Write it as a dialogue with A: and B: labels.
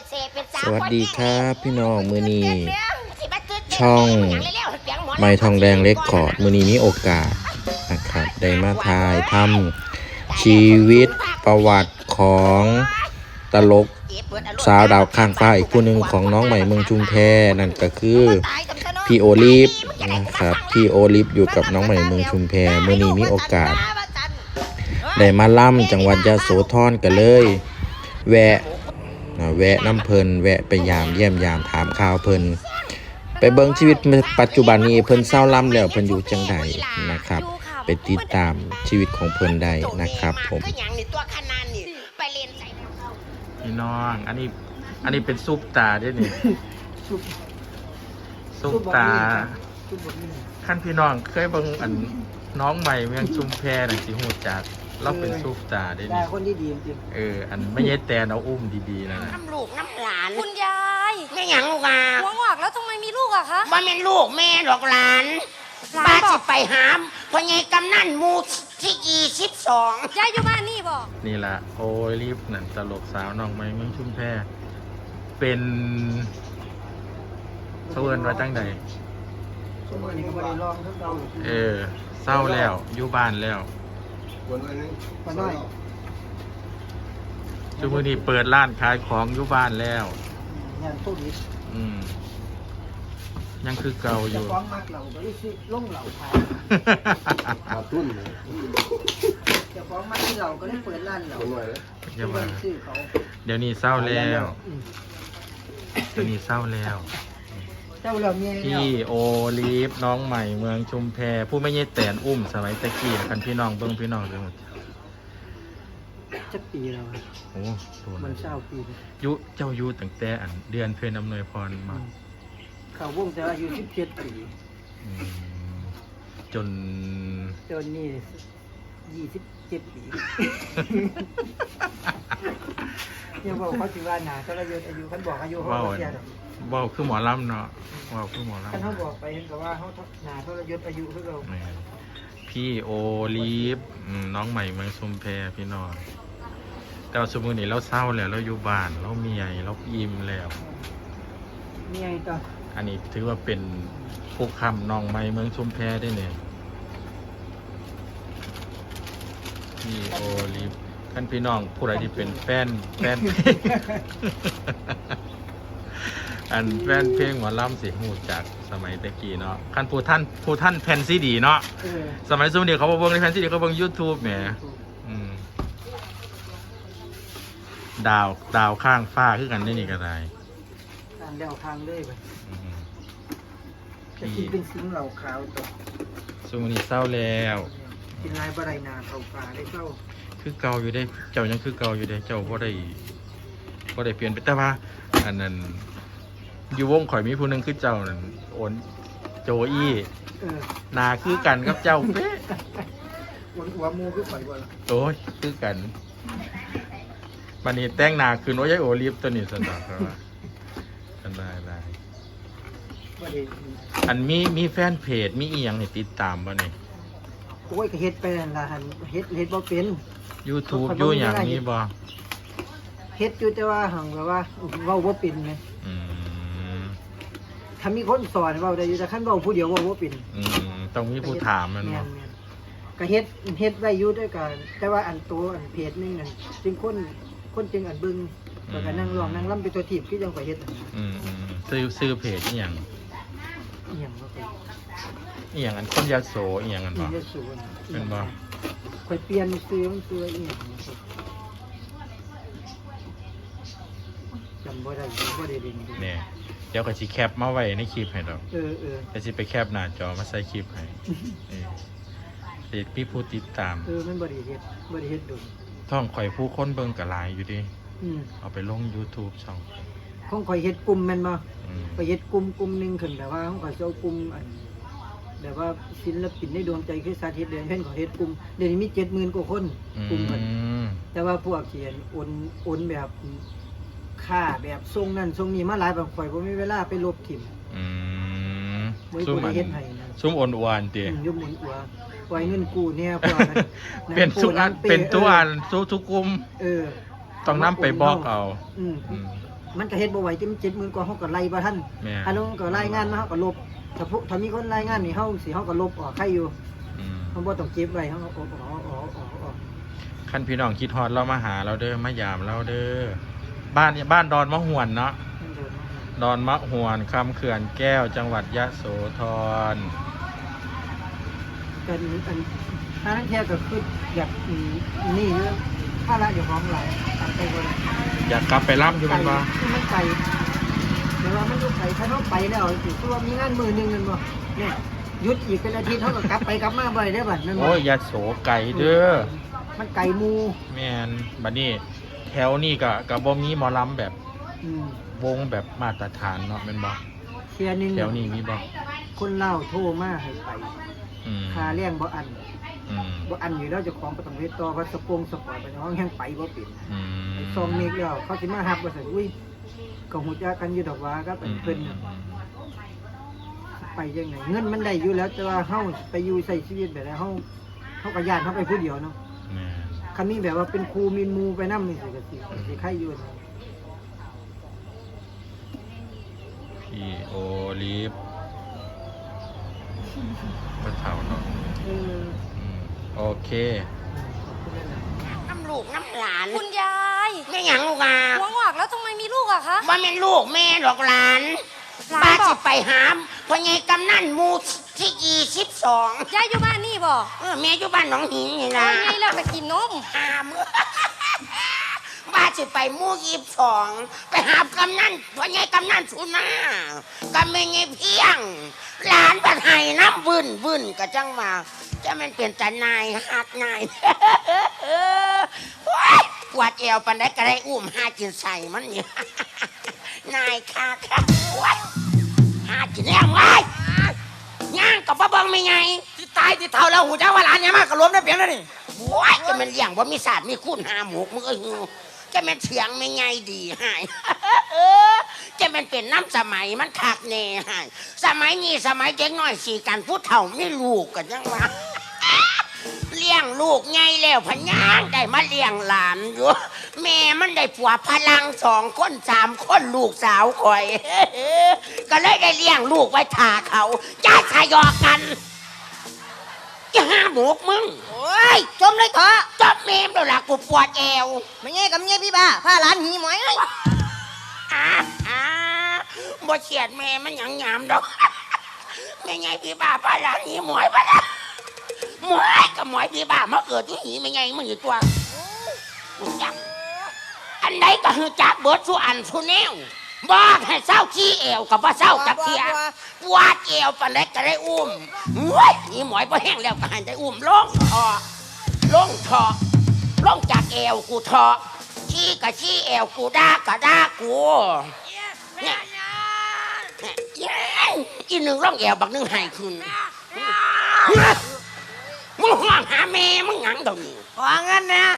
A: สวัสดีครับพี่น้องมือนี้ช่องไม้ทองแดงเล็กคอร์ดมือนี้มีโอกาสนะครับได้มาถ่ายทำชีวิตประวัติของตลกสาวดาวข้างฟ้าอีกผู้หนึ่งของน้องใหม่เมืองชุมแพนั่นก็คือพี่โอลิฟนะครับพี่โอลิฟอยู่กับน้องใหม่เมืองชุมแพมือนี้มีโอกาสได้มาล่ำจังหวัดยโสธรกันเลยแวะน้ำเพลินแวะไปยามเยี่ยมยามถามข่าวเพลินไปเบิ่งชีวิตปัจจุบันนี้เพิ่นเศร้าล่ำแล้วเพิ่นอยู่จังใดนะครับไปติดตามชีวิตของเพิ่นได้นะครับผมพี่น้องอันนี้เป็นซุปตาด้วยนี่ซุปตาขั้นพี่น้องเคยเบิ่งอันน้องใหม่เมืองชุมแพน่ะสิฮู้จักเราเป็นซุปตาได้นี่
B: คนดีๆจริง
A: อันไม่ใช่แต่เอาอุ้มดีๆนะ
C: น้ำลูกน้ำหลาน
D: คุณยาย
C: แม่หยังลูกอ่ะ
D: หัวงอกแล้วทำไมมีลูกอะคะ
C: บ่แม่นลูกแม่ดอกหลานป้าสิไปหามพ่อใหญ่กำนันหมู่ที่22
D: ยายอยู่บ้านนี่บอก
A: นี่ล่ะโอ้ยรีบนั่นตลกสาวน้องใหม่เมืองชุมแพเป็นเพิ่นว่าจังใดเศร้าแล้วอยู่บ้านแล้วช่วงนี้เปิดร้านขายของอยู่บ้านแล้วยังคือเก่าอยู่
B: ฟ้องมากเราก็ได้ซื้อล่งเหล่าขายขาดทุนจะฟ้องมากที่เราก็ได้เปิดร้านเราเ
A: ดี๋ยวนี้เศร้าแล้วพี่โอลีฟน้องใหม่เมืองชุมแพผู้ไม่ใช่แตนอุ้มสมัยตะกี้กันพี่น้องเบิ้งพี่น้องเรื่อง
B: จะปีเรา
A: โอ้ตัว
B: มันเศร้าปี
A: เจ้าอยู่ตั้งแต่เดือนเพ็ญอำนวยพรมา
B: เขาวงแต่อายุ17 ปี
A: จน
B: นี่27 ปียังบอกเขาถือว่าหนาเขาอายุเขาบอกอายุเขาเสีย
A: บอกคือหมอลำเนาะบอกคือหมอลำ
B: เขาบอกไปเห็นกับว่าเขาหนาเขาอายุเขา
A: พี่โอลีฟน้องใหม่เมืองชุมแพพี่น้องแต่สมมุตินี่เราเศร้าแล้วเราอยู่บ้านเราเมียเราอิ่มแล้ว
B: เมียต่อ
A: อันนี้ถือว่าเป็นผู้คำน้องใหม่เมืองชุมแพได้เนี่ยพี่โอลีฟท่านพี่น้องผู้ใดที่เป็นแฟนแฟนเพลงหมอลำสิหูจากสมัยตะกี้เนาะขั้นผู้ท่านแผ่นซีดีเนาะสมัยสมัยเดียวเขาเบิ่งในแผ่นซีดีเขาเบิ่ง YouTube แหมดาวข้างฟ้าคือกันได้นี่ก็ได้
B: ดาวข้างเลยไปพี่เป็นสิ่งเหล่าขาวตก
A: สมัยนี้เศร้าแล้ว
B: กินลายบะไรนาเขาฟ้าได้เศร้า
A: คือเก่าอยู่ได้เจ้ายังคือเก่าอยู่ได้เจ้าก็ได้เปลี่ยนไปแต่ว่าอันนั้นอยู่วงข่อยมีผู้หนึ่งคือเจ้านั่นโอนโจอี้นาคือกันกับเจ้าเป๊ะ
B: หัวมูคือข่อยบ่
A: โอ้ยคือกันบัดนี้แต่งนาคืนโอ้ยโอลิฟตัวนี้สนอกครับกันได้อันมีแฟนเพจมีอีหยังให้ติดตามบ่นี่
B: โอ้ยก็เฮ็ดไปนั่นล่ะเฮ็ดบ่เป็น
A: YouTube อยู่หยังนี้บ่
B: เฮ็ดอยู่แต่ว่าหังแบบว่าเว้าบ่เป็นไงถ้ามีคนสอนเว้าได้อยู่แต่คันเว้าผู้เดียวเว้าบ่เป็น
A: ต้องมีผู้ถามมันบ่
B: ก็เฮ็ดไว้อยู่ด้วยกันแต่ว่าอันตัวอันเพจนึงนั่นจึงคนจึงอันเบิ่งแล้วก็นั่งร้องนั่งรำเป็นตัวทีบคือจังข่อยเฮ็ด
A: ซื้อเพจอีหยัง
B: บ่เป็น
A: อีหยังอันคนยโสอีหยังอันบ่เป็นบ่
B: ข่อยเปลี่ยนซื้อมันซื้ออีหยังจำบ่ได้
A: เนี่ยเดี๋ยวก็สิแคปมาไว้ในคลิปให้ดอกแต่สิไปแคปหน้าจอมาใส่คลิปให้พี่ผู้ติดตาม
B: มันบ่ได้เฮ็ดดู
A: ท่องข่อยผู้คนเบิ่งก็หลายอยู่ดิเอาไปลง YouTube ช่อง
B: ของข่อยเฮ็ดกลุ่มแม่นบ่ข่อยเฮ็ดกลุ่มนึงขึ้นแต่ว่าของข่อยเจ้ากลุ่มอันแบบว่าศิลปินในดวงใจคือสาธิตเดือนเพิ่นก็เฮ็ดกลุ่มเดี๋ยวนี้มี 70,000 กว่าคนกลุ่มมันแต่ว่าพวกเขียนโอนแบบค่าแบบทรงนั้นทรงนี้มาหลายบางข่อยบ่มีเวลาไปลบทิ่ม
A: ซุ่มอันซุ่มอ่อนหวานติ
B: ยุ่มอ่อนหวานปล่อยเงินกู้เนี่ยพวก
A: เป็นทุกอันทุกกลุ่มต้องนำไปบอกเอา
B: มันก็เฮ็ดบ่ไหวที่มัน70,000กว่าเฮาก็ไล่บ่ทัน
A: แม่น
B: อันนั้นก็รายงานมาเฮาก็ลบถ้ามีคนรายงานนี่เฮาก็ลบออกใครอยู่
A: อืม
B: เฮาบ่ต้องเก็บไว้เฮาก็ออก
A: คันพี่น้องคิดฮอดเรามาหาเราเด้อมายามเราเด้อบ้านดอนมะหวนเนาะดอนมะหวนคำเขื่อนแก้วจังหวัดยะโสธร
B: เป็นอันทางเที่ยวก็คืออยากนี่เรื่องภาระเจ้าของหลายตามไปบ่ได้
A: อยากกลับไปร่ำอยู่มันบ่
B: มันไกลเดี๋ยวว่ามันอยู่ไกลถ้าเฮาไปแล้วสิคือว่ามีงานมื้อนึงนั่นบ่เนี่ยหยุดอีกเป็นอาทิตย์เฮาก็กลับไปกลับมาบ่ได้เด้อบัดนั้นบ่
A: โอ้ยยะโสไก่เด้อ
B: มันไกลหมู่
A: แม่นบัดนี้แถวนี้ก็บ่มีหมอลำแบบ
B: อืม
A: วงแบบมาตรฐานเนาะแม่นบ่
B: เที่ยนึง
A: แถวนี้มีบ่
B: คนลาวโทรมาให้ไป
A: อืม
B: ค่าแรงบ่อัน
A: อืม
B: บ่อันอยู่แล้วเจ้าของก็ต้องเฮ็ดต่อเพราะสปงสปอร์ตไปน้องยังไปบ่เป็น
A: อืม
B: ซองเมกแล้วเขาสิมาฮับว่าซั่นอุ้ยก็ฮู้จักกันอยู่ดอกว่าครับอันเพิ่นน่ะไปจังไดเงินมันได้อยู่แล้วแต่ว่าเฮาไปอยู่ใช้ชีวิตแบบใดเฮาก็ย้านเฮาไปผู้เดียวเนาะ
A: แม่น
B: คันมีแบบว่าเป็นครูมีหมู่ไปนำนี่สิใครอยู่นะ
A: พี่โอลิฟก็เท่าเนาะ
B: เออ
A: อืมโอเค
C: น้ำลูกน้ำหลาน
D: คุณยาย
C: ไม่หยังลูกอ่ะ
D: หัวงอกแล้วทำไมมีลูกอะคะ
C: บ่แม่นลูกแม่หรอกหลาน
D: หลาน
C: ป้า
D: บ
C: สิ
D: อก
C: ไปหามพ่อใหญ่กำนันหมู่ที่22
D: ยายอยู่บ้านนี่บอก
C: แม่อยู่บ้านหนองหินนี่
D: โอ้
C: ล่ะ
D: ยไงแล้วไปกินนม
C: หามป้าสิไปหมู่22ไปหามกำนันพ่อใหญ่กำนันสุนากำแม่ใหญ่เพียง หลานบัดให้น้ำบึ้นก็จังมาจะมันเป็นตานายฮักนาย โอ๊ยปวดเอวปานใดก็ได้อุ้มหากินใส่มันนี่ นายค่ะโอ๊ยหากินแล้วไงย่างกับป้าเบิงไม่ไง
E: ที่ตายที่เท่าแล้วหูจ้าว่าหลานเนี่ยมากกระล้มได้เปลี่ยนแล้วนี่
C: โอ๊ยจะมันเลี้ยงว่ามีศาสตร์มีคุณหาหมูมึงก็หิวจะมันเสียงไม่ไงดีหาย จะมันเป็นน้ำสมัยมันคักแน่หายสมัยนี้สมัยเด็กน้อยสี่กันผู้เฒ่าไม่ลูกกันยังวะ เลี้ยงลูกไงแล้วพะยางได้มาเลี้ยงหลานอยู่ แม่มันได้ผัวพลัง2 คน 3 คนลูกสาวคอย ก็เลยได้เลี้ยงลูกไว้ทาเขาจะทะยอกันจะห้าหมกมึง
E: โอ้ยจมเลยเถอะ
C: จบเมมแล้วล่ะกูปวดเอว
E: ไม่ไงกับเงี้ยพี่บ้าพาหลานหีหมอยเลย
C: อ่าอ่าบ่เฉียดแม่มันหยังหยามดอก ไม่ไงพี่บ้าป้าหลานหีหมวยปะนะหมวยกับหมวยพี่บ้ามาเกิดที่หีไม่ไงมึงอยู่ตัวกูจังอันใดก็คือจักเบิดสุอันสุแนวบอกให้เศร้าขี้เอวกับว่าเศร้าจักเทียปวดเอวปานใดก็ได้อุ้มเว้ยหีหมวยพอแห้งแล้วก็ให้ได้อุ้มลงทอลงจากเอวกูทอขี้กับขี้เอวกูด่ากับด่ากูเนี่ยอีหนึ่งร่องเอวบักหนึ่งให้ขึ้นมึงห่วงหาแม่มึงหยังตรงนี้
E: ขอเงินนะ